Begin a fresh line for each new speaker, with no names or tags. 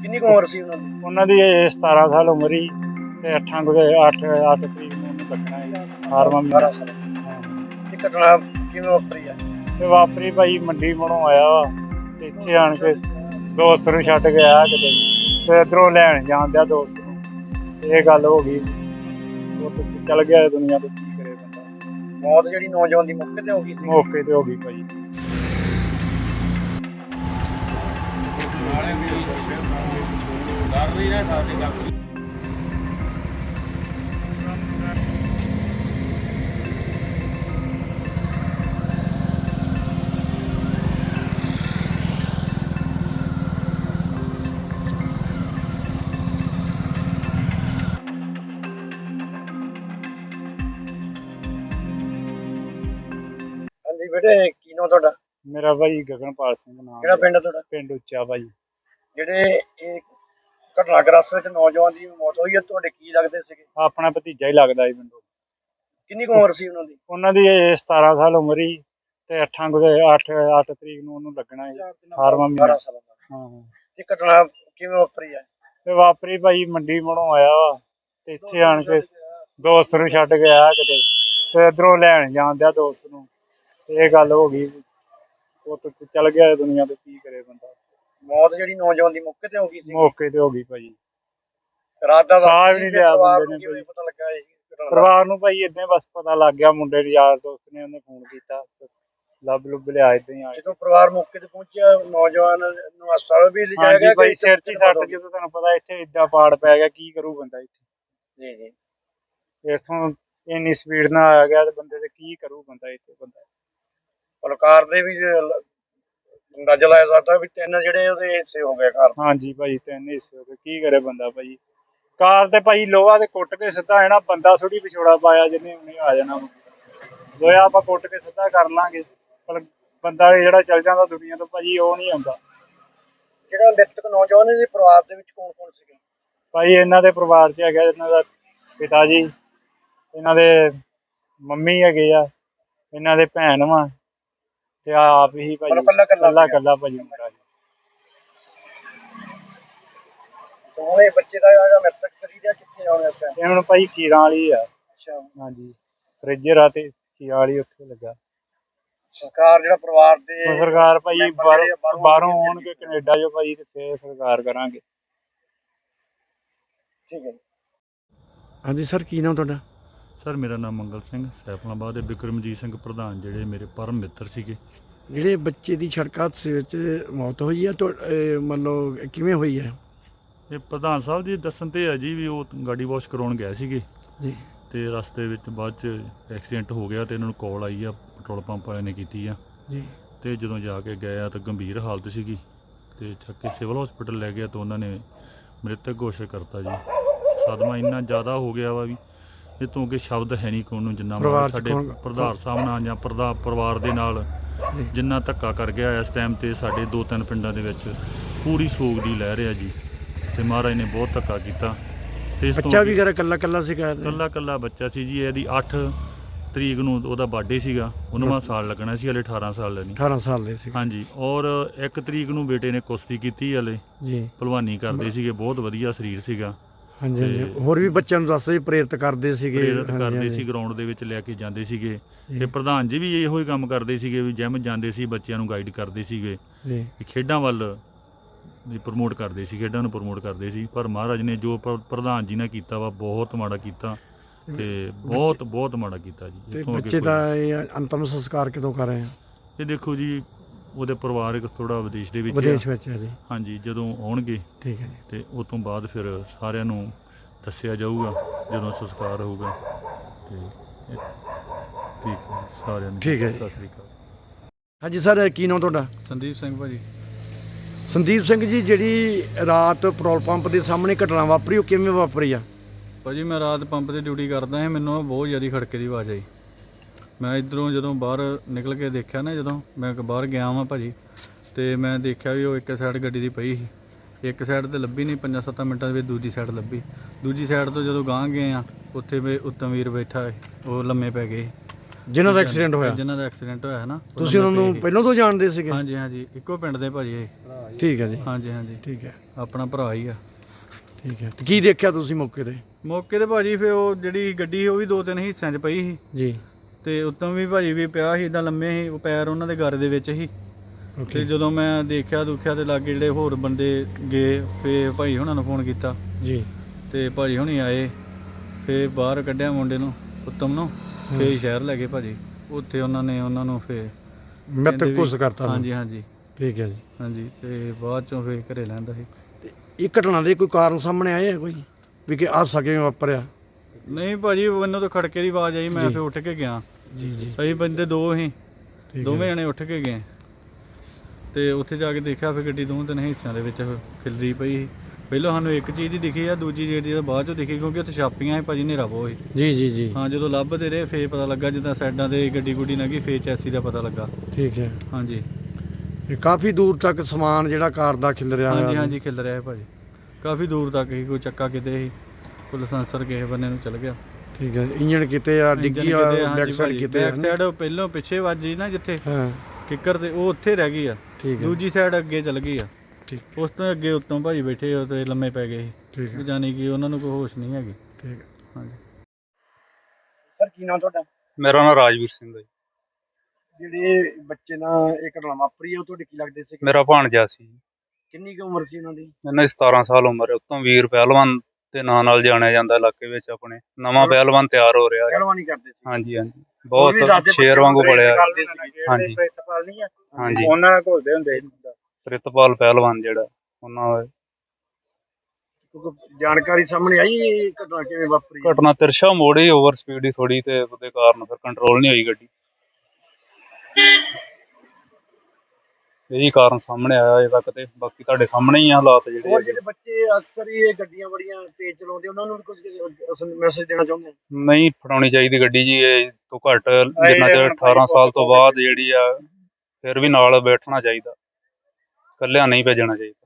ਕਿੰਨੀ ਕੁ ਉਮਰ ਸੀ ਉਹਨਾਂ ਦੀ?
ਉਹਨਾਂ ਦੀ 17 ਸਾਲ ਉਮਰ ਹੀ ਤੇ 8 ਤਰੀਕ ਨੂੰ ਉਹਨੂੰ ਲੱਗਣਾ ਹੈ 18ਵਾਂ ਮਹੀਨਾ।
18 ਸਾਲ। ਇਹ ਘਟਨਾ ਕਿਵੇਂ ਵਾਪਰੀ ਆ?
ਤੇ ਵਾਪਰੀ ਭਾਈ ਮੰਡੀ ਮਨੋਂ ਆਇਆ ਵਾ ਤੇ ਇੱਥੇ ਆਣ ਕੇ ਦੋਸਤ ਨੂੰ ਛੱਡ ਕੇ ਆਇਆ ਕਿਤੇ ਤੇ ਇੱਧਰੋਂ ਲੈਣ ਜਾਂਦਿਆ ਦੋਸਤ ਨੂੰ ਇਹ ਗੱਲ ਹੋ ਗਈ। ਉਹ ਤੇ ਚੱਲ ਗਿਆ ਦੁਨੀਆ ਤੋਂ, ਕੀ ਕਰੇ ਬੰਦਾ।
ਮੌਤ ਜਿਹੜੀ ਨੌਜਵਾਨ ਦੀ ਮੌਕੇ ਤੇ ਹੋ ਗਈ ਸੀ?
ਮੌਕੇ ਤੇ ਹੋ ਗਈ ਭਾਈ।
ਹਾਂਜੀ ਬੇਟੇ, ਕੀ ਨਾਂ ਤੁਹਾਡਾ?
ਮੇਰਾ ਭਾਈ ਗਗਨਪਾਲ ਸਿੰਘ ਨਾਮ।
ਕਿਹੜਾ ਪਿੰਡ ਆ ਤੁਹਾਡਾ?
ਪਿੰਡ ਉੱਚਾ ਭਾਈ।
ਜਿਹੜੇ ਇਹ ਘਟਨਾਗ੍ਰਸਤ ਵਿੱਚ ਨੌਜਵਾਨ ਦੀ ਮੌਤ ਹੋਈ ਹੈ, ਤੁਹਾਡੇ ਕੀ ਲੱਗਦੇ ਸੀਗੇ?
ਆਪਣਾ ਭਤੀਜਾ ਹੀ ਲੱਗਦਾ ਜੀ ਮੈਨੂੰ।
ਕਿੰਨੀ ਕੁ ਉਮਰ ਸੀ ਉਹਨਾਂ ਦੀ?
ਉਹਨਾਂ ਦੀ 17 ਸਾਲ ਉਮਰ ਹੀ ਤੇ 8 ਤਰੀਕ ਨੂੰ ਉਹਨੂੰ ਲੱਗਣਾ ਹੈ 18ਵਾਂ ਮਹੀਨਾ।
18 ਸਾਲਾਂ ਦਾ।
ਹਾਂ।
ਇਹ ਘਟਨਾ ਕਿਵੇਂ ਵਾਪਰੀ ਆ?
ਤੇ ਵਾਪਰੀ ਭਾਈ ਮੰਡੀ ਮਨੋਂ ਆਇਆ ਵਾ ਤੇ ਇੱਥੇ ਆਣ ਕੇ ਦੋਸਤ ਨੂੰ ਛੱਡ ਕੇ ਆਇਆ ਕਿਤੇ ਤੇ ਇੱਧਰੋਂ ਲੈਣ ਜਾਂਦਿਆ ਦੋਸਤ ਨੂੰ ਇਹ ਗੱਲ ਹੋ ਗਈ। ਉਹ ਤੇ ਚੱਲ ਗਿਆ ਦੁਨੀਆ ਤੋਂ, ਕੀ ਕਰੇ ਬੰਦਾ।
ਮੌਤ ਜਿਹੜੀ ਨੌਜਵਾਨ ਦੀ ਮੌਕੇ ਤੇ ਹੋ ਗਈ ਸੀ?
ਮੌਕੇ ਤੇ ਹੋ ਗਈ ਭਾਈ।
ਰਾਤ ਦਾ
ਸਾਹ
ਵਕਤ
ਵੀ ਨਹੀਂ
ਸੀ,
ਲਿਆ
ਪਰਿਵਾਰ
ਬੰਦੇ
ਨੂੰ
ਨੇ
ਕਿਵੇਂ ਪਤਾ ਲੱਗਾ ਇਸ ਘਟਨਾ ਦਾ?
ਪਰਿਵਾਰ ਨੂੰ ਭਾਈ ਏਦਾਂ ਬਸ ਪਤਾ ਲੱਗ ਗਿਆ, ਮੁੰਡੇ ਦੇ ਯਾਰ ਦੋਸਤ ਨੇ ਉਹਨੇ ਫੋਨ ਕੀਤਾ, ਲੱਭ ਲੁੱਭ ਲਿਆ ਏਦਾਂ ਹੀ ਆ।
ਜਦੋਂ ਪਰਿਵਾਰ ਮੌਕੇ ਤੇ ਪਹੁੰਚਿਆ, ਨੌਜਵਾਨ ਨੂੰ ਹਸਪਤਾਲ ਵੀ ਲਿਜਾਇਆ
ਹਾਂਜੀ
ਗਿਆ?
ਭਾਈ, ਸਿਰ 'ਚ ਹੀ ਸੱਟ, ਜਦੋਂ ਤੁਹਾਨੂੰ ਪਤਾ ਇੱਥੇ ਏਦਾਂ ਪਾੜ ਪੈ ਗਿਆ, ਕੀ ਕਰੂ ਬੰਦਾ ਇੱਥੇ।
ਜੀ ਜੀ।
ਇੱਥੋਂ ਇੰਨੀ ਸਪੀਡ ਨਾਲ ਆ ਗਿਆ ਤੇ ਬੰਦੇ ਤੇ ਕੀ ਕਰੂ ਬੰਦਾ ਇੱਥੇ ਬੰਦਾ।
ਸਰਕਾਰ ਦੇ ਵੀ ਅੰਦਾਜ਼ਾ ਲਾਇਆ ਜਾਂਦਾ ਵੀ 3 ਜਿਹੜੇ ਉਹਦੇ ਹਿੱਸੇ ਹੋ ਗਏ ਘਰ।
ਹਾਂਜੀ ਭਾਈ, 3 ਹਿੱਸੇ ਹੋ ਗਏ, ਕੀ ਕਰੇ ਬੰਦਾ ਭਾਈ। ਕਾਰ ਤੇ ਭਾਈ ਲੋਹਾ ਤੇ ਕੁੱਟ ਕੇ ਸਿੱਧਾ ਹੈ ਨਾ, ਬੰਦਾ ਥੋੜੀ ਵਿਛੋੜਾ ਪਾਇਆ ਜਿਹਨੇ ਉਹਨੇ ਆ ਜਾਣਾ। ਲੋਹਾ ਆਪਾਂ ਕੁੱਟ ਕੇ ਸਿੱਧਾ ਕਰ ਲਾਂਗੇ, ਪਰ ਬੰਦਾ ਜਿਹੜਾ ਚੱਲ ਜਾਂਦਾ ਦੁਨੀਆ ਤੋਂ ਭਾਜੀ, ਉਹ ਨਹੀਂ ਆਉਂਦਾ।
ਜਿਹੜਾ ਮ੍ਰਿਤਕ ਨੌਜਵਾਨ ਦੇ ਪਰਿਵਾਰ ਦੇ ਵਿੱਚ ਕੌਣ ਕੌਣ ਸੀਗੇ?
ਭਾਈ ਇਹਨਾਂ ਦੇ ਪਰਿਵਾਰ 'ਚ ਹੈਗਾ ਇਹਨਾਂ ਦਾ ਪਿਤਾ ਜੀ, ਇਹਨਾਂ ਦੇ ਮੰਮੀ ਹੈਗੇ ਆ, ਇਹਨਾਂ ਦੇ ਭੈਣ ਵਾ ਤੇ ਆਪ ਹੀ ਭਾਜੀ ਕੱਲਾ ਭਾਜੀ ਮੁੰਡਾ ਜੀ।
ਦੋਵੇਂ ਬੱਚੇ ਦਾ ਜਿਹੜਾ ਮ੍ਰਿਤਕ ਸਰੀਰ ਆ ਕਿੱਥੇ ਆਉਣਾ ਇਸ ਟਾਈਮ?
ਇਹ ਹੁਣ ਭਾਈ ਕੀਰਾਂ ਵਾਲੀ ਆ।
ਅੱਛਾ।
ਹਾਂਜੀ, ਫਰਿੱਜਰ ਆ ਤੇ ਕੀਰਾਂ ਵਾਲੀ ਉੱਥੇ ਲੱਗਾ।
ਸਰਕਾਰ ਜਿਹੜਾ ਪਰਿਵਾਰ ਦੇ
ਸਰਕਾਰ ਭਾਈ ਬਾਹਰੋਂ ਆਉਣਗੇ ਕੈਨੇਡਾ ਜੋ ਭਾਈ, ਤੇ ਫੇਰ ਸਰਕਾਰ ਕਰਾਂਗੇ।
ਠੀਕ ਹੈ।
ਹਾਂਜੀ ਸਰ, ਕੀ ਨਾਮ ਤੁਹਾਡਾ?
ਸਰ ਮੇਰਾ ਨਾਮ ਮੰਗਲ ਸਿੰਘ, ਸੈਫਲਾਬਾਦ ਦੇ ਬਿਕਰਮਜੀਤ ਸਿੰਘ ਪ੍ਰਧਾਨ ਜਿਹੜੇ ਮੇਰੇ ਪਰਮ ਮਿੱਤਰ ਸੀਗੇ।
ਜਿਹੜੇ ਬੱਚੇ ਦੀ ਸੜਕ ਹਾਦਸੇ ਵਿੱਚ ਮੌਤ ਹੋਈ ਹੈ, ਮਤਲਬ ਕਿਵੇਂ ਹੋਈ ਹੈ?
ਇਹ ਪ੍ਰਧਾਨ ਸਾਹਿਬ ਜੀ ਦੱਸਣ ਤੇ ਹੈ ਜੀ ਵੀ ਉਹ ਗਾਡੀ ਵਾਸ਼ ਕਰਾਉਣ ਗਏ ਸੀਗੇ
ਜੀ,
ਤੇ ਰਸਤੇ ਵਿੱਚ ਬਾਅਦ 'ਚ ਐਕਸੀਡੈਂਟ ਹੋ ਗਿਆ ਤੇ ਇਹਨਾਂ ਨੂੰ ਕਾਲ ਆਈ ਆ, ਪੈਟਰੋਲ ਪੰਪ ਵਾਲਿਆਂ ਨੇ ਕੀਤੀ ਆ
ਜੀ।
ਤੇ ਜਦੋਂ ਜਾ ਕੇ ਗਏ ਆ ਤਾਂ ਗੰਭੀਰ ਹਾਲਤ ਸੀਗੀ ਤੇ ਚੱਕ ਕੇ ਸਿਵਲ ਹਸਪੀਟਲ ਲੈ ਗਿਆ ਤਾਂ ਉਹਨਾਂ ਨੇ ਮ੍ਰਿਤਕ ਘੋਸ਼ਿਤ ਕਰਤਾ ਜੀ। ਸਦਮਾ ਇੰਨਾ ਜ਼ਿਆਦਾ ਹੋ ਗਿਆ ਵਾ ਵੀ ਇਹ ਤੋਂ ਅੱਗੇ ਸ਼ਬਦ ਹੈ ਨਹੀਂ ਕੋਈ ਨੂੰ, ਜਿੰਨਾ ਸਾਡੇ ਪ੍ਰਧਾਨ ਸਾਹਿਬ ਨਾਲ ਜਾਂ ਪਰਿਵਾਰ ਦੇ ਨਾਲ ਜਿੰਨਾ ਧੱਕਾ ਕਰ ਗਿਆ ਇਸ ਟਾਈਮ ਤੇ ਸਾਡੇ 2-3 ਪਿੰਡਾਂ ਦੇ ਵਿੱਚ ਪੂਰੀ ਸੋਗ ਦੀ ਲਹਿਰ ਆ ਜੀ। ਤੇ ਮਹਾਰਾਜ ਨੇ ਬਹੁਤ ਧੱਕਾ ਕੀਤਾ। ਤੇ ਇਸ
ਬੱਚਾ ਵੀ ਕੱਲਾ ਸੀਗਾ?
ਕੱਲਾ ਬੱਚਾ ਸੀ ਜੀ। ਇਹਦੀ 8 ਤਰੀਕ ਨੂੰ ਉਹਦਾ ਬਰਥਡੇ ਸੀਗਾ, 19ਵਾਂ ਸਾਲ ਲੱਗਣਾ ਸੀ, ਹਲੇ 18 ਸਾਲ ਦਾ ਨਹੀਂ।
18 ਸਾਲ ਦੇ ਸੀ।
ਹਾਂਜੀ, ਔਰ 1 ਤਰੀਕ ਨੂੰ ਬੇਟੇ ਨੇ ਕੁਸ਼ਤੀ ਕੀਤੀ, ਹਲੇ
ਜੀ
ਭਲਵਾਨੀ ਕਰਦੇ ਸੀਗੇ, ਬਹੁਤ ਵਧੀਆ ਸਰੀਰ ਸੀਗਾ।
ਹਾਂਜੀ, ਹੋਰ ਵੀ ਬੱਚਿਆਂ ਨੂੰ ਦੱਸਦੇ ਪ੍ਰੇਰਿਤ ਕਰਦੇ ਸੀਗੇ
ਸੀ, ਗਰਾਊਂਡ ਦੇ ਵਿੱਚ ਲੈ ਕੇ ਜਾਂਦੇ ਸੀਗੇ। ਤੇ ਪ੍ਰਧਾਨ ਜੀ ਵੀ ਇਹੋ ਹੀ ਕੰਮ ਕਰਦੇ ਸੀਗੇ ਵੀ ਜਿਮ ਜਾਂਦੇ ਸੀ, ਬੱਚਿਆਂ ਨੂੰ ਗਾਈਡ ਕਰਦੇ ਸੀਗੇ ਜੀ, ਖੇਡਾਂ ਵੱਲ ਪ੍ਰਮੋਟ ਕਰਦੇ ਸੀ, ਖੇਡਾਂ ਨੂੰ ਪ੍ਰਮੋਟ ਕਰਦੇ ਸੀ। ਪਰ ਮਹਾਰਾਜ ਨੇ ਜੋ ਪ੍ਰਧਾਨ ਜੀ ਨੇ ਕੀਤਾ ਵਾ, ਬਹੁਤ ਮਾੜਾ ਕੀਤਾ ਤੇ ਬਹੁਤ ਮਾੜਾ ਕੀਤਾ ਜੀ।
ਬੱਚੇ ਦਾ ਅੰਤਮ ਸੰਸਕਾਰ ਕਦੋਂ ਕਰ ਰਹੇ ਆ?
ਇਹ ਦੇਖੋ ਜੀ, ਉਹਦੇ ਪਰਿਵਾਰਕ ਥੋੜਾ ਵਿਦੇਸ਼ ਵਿੱਚ
ਹੈ ਜੀ।
ਹਾਂਜੀ, ਜਦੋਂ ਆਉਣਗੇ
ਠੀਕ ਹੈ ਜੀ,
ਤੇ ਉਸ ਤੋਂ ਬਾਅਦ ਫਿਰ ਸਾਰਿਆਂ ਨੂੰ ਦੱਸਿਆ ਜਾਊਗਾ ਜਦੋਂ ਸੰਸਕਾਰ ਹੋਊਗਾ। ਤੇ ਠੀਕ ਹੈ ਸਾਰਿਆਂ ਨੂੰ,
ਠੀਕ ਹੈ,
ਸਤਿ ਸ੍ਰੀ ਅਕਾਲ।
ਹਾਂਜੀ ਸਰ, ਕੀ ਨਾਮ ਤੁਹਾਡਾ?
ਸੰਦੀਪ ਸਿੰਘ ਭਾਜੀ।
ਸੰਦੀਪ ਸਿੰਘ ਜੀ, ਜਿਹੜੀ ਰਾਤ ਪੈਟਰੋਲ ਪੰਪ ਦੇ ਸਾਹਮਣੇ ਘਟਨਾ ਵਾਪਰੀ, ਉਹ ਕਿਵੇਂ ਵਾਪਰੀ ਆ?
ਭਾਜੀ ਮੈਂ ਰਾਤ ਪੰਪ 'ਤੇ ਡਿਊਟੀ ਕਰਦਾ ਸੀ, ਮੈਨੂੰ ਬਹੁਤ ਜ਼ਿਆਦਾ ਖੜਕੇ ਦੀ ਆਵਾਜ਼ ਆਈ। ਮੈਂ ਇੱਧਰੋਂ ਜਦੋਂ ਬਾਹਰ ਨਿਕਲ ਕੇ ਦੇਖਿਆ ਨਾ, ਜਦੋਂ ਮੈਂ ਬਾਹਰ ਗਿਆ ਵਾਂ ਭਾਜੀ, ਤੇ ਮੈਂ ਦੇਖਿਆ ਵੀ ਉਹ ਇੱਕ ਸਾਈਡ ਗੱਡੀ ਦੀ ਪਈ ਸੀ, ਇੱਕ ਸਾਈਡ ਤੇ ਲੱਭੀ ਨਹੀਂ, 5-7 ਮਿੰਟਾਂ ਦੇ ਵਿੱਚ ਦੂਜੀ ਸਾਈਡ ਲੱਭੀ। ਦੂਜੀ ਸਾਈਡ ਤੋਂ ਜਦੋਂ ਗਾਂਹ ਗਏ ਆ, ਉੱਥੇ ਉੱਤਮ ਵੀਰ ਬੈਠਾ, ਉਹ ਲੰਮੇ ਪੈ ਗਏ
ਜਿਨ੍ਹਾਂ ਦਾ ਐਕਸੀਡੈਂਟ ਹੋਇਆ
ਹੈ ਨਾ।
ਤੁਸੀਂ ਉਹਨਾਂ ਨੂੰ ਪਹਿਲਾਂ ਤੋਂ ਜਾਣਦੇ ਸੀਗੇ?
ਹਾਂਜੀ, ਇੱਕੋ ਪਿੰਡ ਦੇ ਭਾਜੀ ਇਹ।
ਠੀਕ ਹੈ ਜੀ,
ਹਾਂਜੀ ਹਾਂਜੀ,
ਠੀਕ ਹੈ,
ਆਪਣਾ ਭਰਾ ਹੀ ਆ।
ਠੀਕ ਹੈ। ਤੇ ਕੀ ਦੇਖਿਆ ਤੁਸੀਂ ਮੌਕੇ ਤੇ?
ਮੌਕੇ ਤੇ ਭਾਜੀ ਫਿਰ ਉਹ ਜਿਹੜੀ ਗੱਡੀ ਸੀ ਉਹ ਵੀ 2-3 ਹਿੱਸਿਆਂ 'ਚ ਪਈ ਸੀ
ਜੀ,
ਤੇ ਉੱਤੋਂ ਵੀ ਭਾਜੀ ਵੀ ਪਿਆ ਸੀ, ਇੱਦਾਂ ਲੰਮੇ ਸੀ, ਉਹ ਪੈਰ ਉਹਨਾਂ ਦੇ ਗਰ ਦੇ ਵਿੱਚ ਸੀ। ਤੇ
ਓਕੇ
ਜਦੋਂ ਮੈਂ ਦੇਖਿਆ ਦੁਖਿਆ ਤੇ ਲਾਗੇ ਜਿਹੜੇ ਹੋਰ ਬੰਦੇ ਗਏ, ਫੇ ਭਾਈ ਹੁਣਾਂ ਨੂੰ ਫੋਨ ਕੀਤਾ
ਜੀ,
ਤੇ ਭਾਜੀ ਹੁਣੀ ਆਏ, ਫੇ ਬਾਹਰ ਕੱਢਿਆ ਮੁੰਡੇ ਨੂੰ, ਉੱਤਮ ਨੂੰ, ਫੇ ਸ਼ਹਿਰ ਲੈ ਗਏ ਭਾਜੀ। ਉੱਥੇ ਉਹਨਾਂ ਨੂੰ ਫੇ
ਮਿੱਤ ਘੁੱਸ ਕਰਤਾ ਉਹਨੂੰ।
ਹਾਂਜੀ ਹਾਂਜੀ
ਠੀਕ ਹੈ ਜੀ।
ਹਾਂਜੀ, ਤੇ ਬਾਅਦ ਚੋਂ ਫੇ ਘਰੇ ਲੈਂਦਾ ਸੀ।
ਇਹ ਘਟਨਾ ਦੇ ਕੋਈ ਕਾਰਨ ਸਾਹਮਣੇ ਆਏ ਆ ਕੋਈ ਵੀ ਕਿ ਹਾਦਸਾ ਕਿਵੇਂ ਵਾਪਰਿਆ?
ਨਹੀਂ ਭਾਜੀ, ਮੈਨੂੰ ਤਾਂ ਖੜਕੇ ਦੀ ਆਵਾਜ਼ ਆਈ, ਮੈਂ
ਜੀ।
ਫੇ ਉੱਠ ਕੇ ਗਿਆ।
ਜੀ ਜੀ,
ਅਸੀਂ ਬੰਦੇ 2 ਸੀ,
ਠੀਕ
ਦੋਵੇਂ
ਹੈ।
ਜਣੇ ਉੱਠ ਕੇ ਗਏ ਤੇ ਉੱਥੇ ਜਾ ਕੇ ਦੇਖਿਆ ਫਿਰ ਗੱਡੀ 2-3 ਹਿੱਸਿਆਂ ਦੇ ਵਿੱਚ ਖਿਲਰੀ ਪਈ ਸੀ। ਪਹਿਲਾਂ ਸਾਨੂੰ ਇੱਕ ਚੀਜ਼ ਹੀ ਦਿਖੀ ਆ, ਦੂਜੀ ਜਿਹੜੀ ਬਾਅਦ ਚੋਂ ਦਿਖੀ, ਕਿਉਂਕਿ ਉੱਥੇ ਛਾਪੀਆਂ ਸੀ ਭਾਜੀ, ਹਨੇਰਾ ਬਹੁਤ ਸੀ।
ਜੀ ਜੀ ਜੀ,
ਹਾਂ, ਜਦੋਂ ਲੱਭਦੇ ਰਹੇ ਫੇਰ ਪਤਾ ਲੱਗਾ, ਜਿੱਦਾਂ ਸਾਈਡਾਂ ਤੇ ਗੱਡੀ ਗੁੱਡੀ ਲੰਘੀ ਫੇਰ ਚੈਸੀ ਦਾ ਪਤਾ ਲੱਗਾ।
ਠੀਕ ਹੈ।
ਹਾਂਜੀ
ਇਹ ਕਾਫੀ ਦੂਰ ਤੱਕ ਸਮਾਨ ਜਿਹੜਾ ਕਾਰ ਦਾ ਖਿਲ ਰਿਹਾ
ਹਾਂਜੀ ਹਾਂਜੀ, ਖਿਲ ਰਿਹਾ ਹੈ ਭਾਜੀ, ਕਾਫੀ ਦੂਰ ਤੱਕ ਹੀ। ਕੋਈ ਚੱਕਾ ਕਿਤੇ ਸੀ, ਕੋਈ ਲਾਇਸੈਂਸਰ ਕਿਸੇ ਬੰਨੇ ਨੂੰ ਚਲ ਗਿਆ।
ਠੀਕ ਹੈ। ਇੰਜਣ ਕਿਤੇ ਆ, ਡਿੱਗੀ ਆ, ਬੈਕ ਸਾਈਡ ਕਿਤੇ
ਬੈਕ ਸਾਈਡ ਪਹਿਲਾਂ ਪਿੱਛੇ ਵੱਜੀ ਨਾ ਜਿੱਥੇ
ਹਾਂ,
ਕਿੱਕਰ ਤੇ, ਉਹ ਉੱਥੇ ਰਹਿ ਗਈ ਆ।
ਠੀਕ ਹੈ,
ਦੂਜੀ ਸਾਈਡ ਅੱਗੇ ਚਲ ਗਈ ਆ।
ਠੀਕ
ਉਸ ਤੋਂ ਅੱਗੇ ਉੱਤੋਂ ਭਾਜੀ ਬੈਠੇ ਉਹ ਤੇ ਲੰਮੇ ਪੈ ਗਏ
ਠੀਕ
ਸੀ,
ਹੈ,
ਜਾਨੀ ਕਿ ਉਹਨਾਂ ਨੂੰ ਕੋਈ ਹੋਸ਼ ਨਹੀਂ ਹੈਗੀ।
ਠੀਕ ਹੈ।
ਹਾਂਜੀ।
ਸਰ ਕੀ ਨਾਮ ਤੁਹਾਡਾ?
ਮੇਰਾ ਨਾਮ ਰਾਜਵੀਰ ਸਿੰਘ ਹੈ ਜੀ।
ਜਿਹੜੇ ਬੱਚੇ ਨਾਲ ਇਹ ਘਟਨਾ ਵਾਪਰੀ ਹੈ ਉਹ ਤੁਹਾਡੇ ਕੀ ਲੱਗਦੇ ਸੀ?
ਮੇਰਾ ਭਾਣਜਾ ਸੀ।
ਕਿੰਨੀ ਕੁ ਉਮਰ ਸੀ ਉਹਨਾਂ ਦੀ?
ਇਹਨਾਂ ਦੀ 17 ਸਾਲ ਉਮਰ ਹੈ। ਉੱਤੋਂ ਵੀਰ ਪਹਿਲਵਾਨ ਦੇ ਨਾਂ ਨਾਲ ਜਾਣਿਆ ਜਾਂਦਾ ਇਲਾਕੇ ਵਿੱਚ। ਆਪਣੇ ਨਵਾਂ ਪਹਿਲਵਾਨ ਤਿਆਰ ਹੋ ਰਿਹਾ ਹੈ।
ਪਹਿਲਵਾਨੀ ਕਰਦੇ ਸੀ?
ਹਾਂਜੀ ਹਾਂਜੀ,
ਉਹ ਵੀ ਦੱਸਦੇ
ਬਹੁਤ ਸ਼ੇਰ ਵਾਂਗੂ
ਬੱਚੇ
ਬੜਿਆ।
ਕਰਦੇ ਸੀ।
ਹਾਂਜੀ
ਪ੍ਰਿੰਸੀਪਲ ਨਹੀਂ ਆ,
ਹਾਂਜੀ,
ਉਹਨਾਂ ਨਾਲ ਘੁਲਦੇ ਹੁੰਦੇ ਸੀ।
ਪ੍ਰਿਤਪਾਲ ਪਹਿਲਵਾਨ ਜਿਹੜਾ ਉਹਨਾਂ ਦਾ।
ਕਿਉਂਕਿ ਜਾਣਕਾਰੀ ਸਾਹਮਣੇ ਆਈ ਇਹ ਘਟਨਾ ਕਿਵੇਂ ਵਾਪਰੀ?
ਘਟਨਾ ਤਿਰਸ਼ਾ ਮੋੜੀ, ਓਵਰ ਸਪੀਡ ਹੀ ਥੋੜੀ, ਤੇ ਉਹਦੇ ਕਾਰਨ ਫਿਰ ਕੰਟਰੋਲ ਨਹੀਂ ਹੋਈ ਗੱਡੀ। ਇਹੀ ਕਾਰਨ ਸਾਹਮਣੇ ਆਇਆ ਅਜੇ ਤੱਕ, ਤੇ ਬਾਕੀ ਤੁਹਾਡੇ ਸਾਹਮਣੇ ਹੀ ਆ ਹਾਲਾਤ ਜਿਹੜੇ
ਹੋਰ
ਹੈਗੇ।
ਜਿਹੜੇ ਬੱਚੇ ਅਕਸਰ ਹੀ ਇਹ ਗੱਡੀਆਂ ਬੜੀਆਂ ਤੇਜ਼ ਚਲਾਉਂਦੇ, ਉਹਨਾਂ ਨੂੰ ਵੀ ਕੁਝ ਮੈਸੇਜ ਦੇਣਾ ਚਾਹੁੰਦੇ ਆ?
ਨਹੀਂ ਫੜਾਉਣੀ ਚਾਹੀਦੀ ਗੱਡੀ ਜੀ, ਇਹ ਤੋਂ ਘੱਟ ਜਿੰਨਾ ਚਿਰ 18 ਸਾਲ ਤੋਂ ਬਾਅਦ ਜਿਹੜੀ ਆ, ਫਿਰ ਵੀ ਨਾਲ ਬੈਠਣਾ ਚਾਹੀਦਾ, ਇਕੱਲਿਆਂ ਨਹੀਂ ਭੇਜਣਾ ਚਾਹੀਦਾ।